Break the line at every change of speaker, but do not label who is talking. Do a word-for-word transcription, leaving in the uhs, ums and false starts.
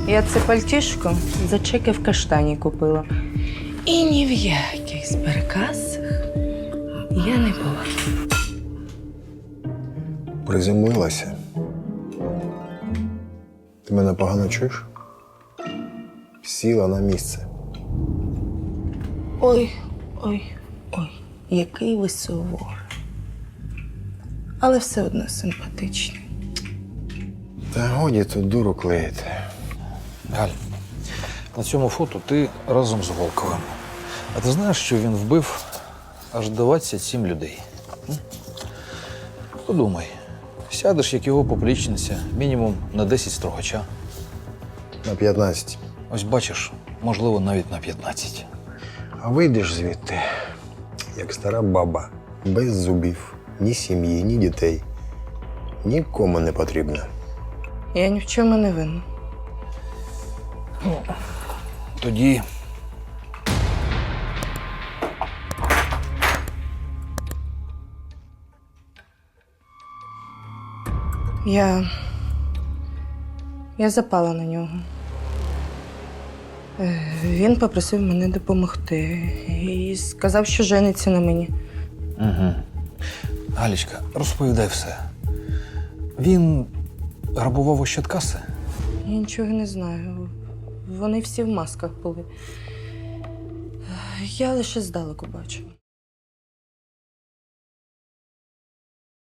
Я це пальтішко за чеки в каштані купила. І ні в яких зберкасах я не була.
Приземлилася. Ти мене погано чуєш? Сіла на місце.
Ой, ой, ой, який ви суворий. Але все одно симпатичний.
Та годі тут дуру клеїти.
Галь, на цьому фото ти разом з Волковим. А ти знаєш, що він вбив аж двадцять сім людей? М? Подумай, сядеш, як його поплічниця, мінімум на десять строгача.
На п'ятнадцять.
Ось бачиш, можливо, навіть на п'ятнадцять.
А вийдеш звідти, як стара баба, без зубів, ні сім'ї, ні дітей. Нікому не потрібна.
Я ні в чому не винна.
Тоді
Я. Я запала на нього. Е, Він попросив мене допомогти і сказав, що жениться на мені.
Угу. Галічка, розповідай все. Він грабував Ощадкаси?
Я нічого не знаю. Вони всі в масках були. Я лише здалеку бачила.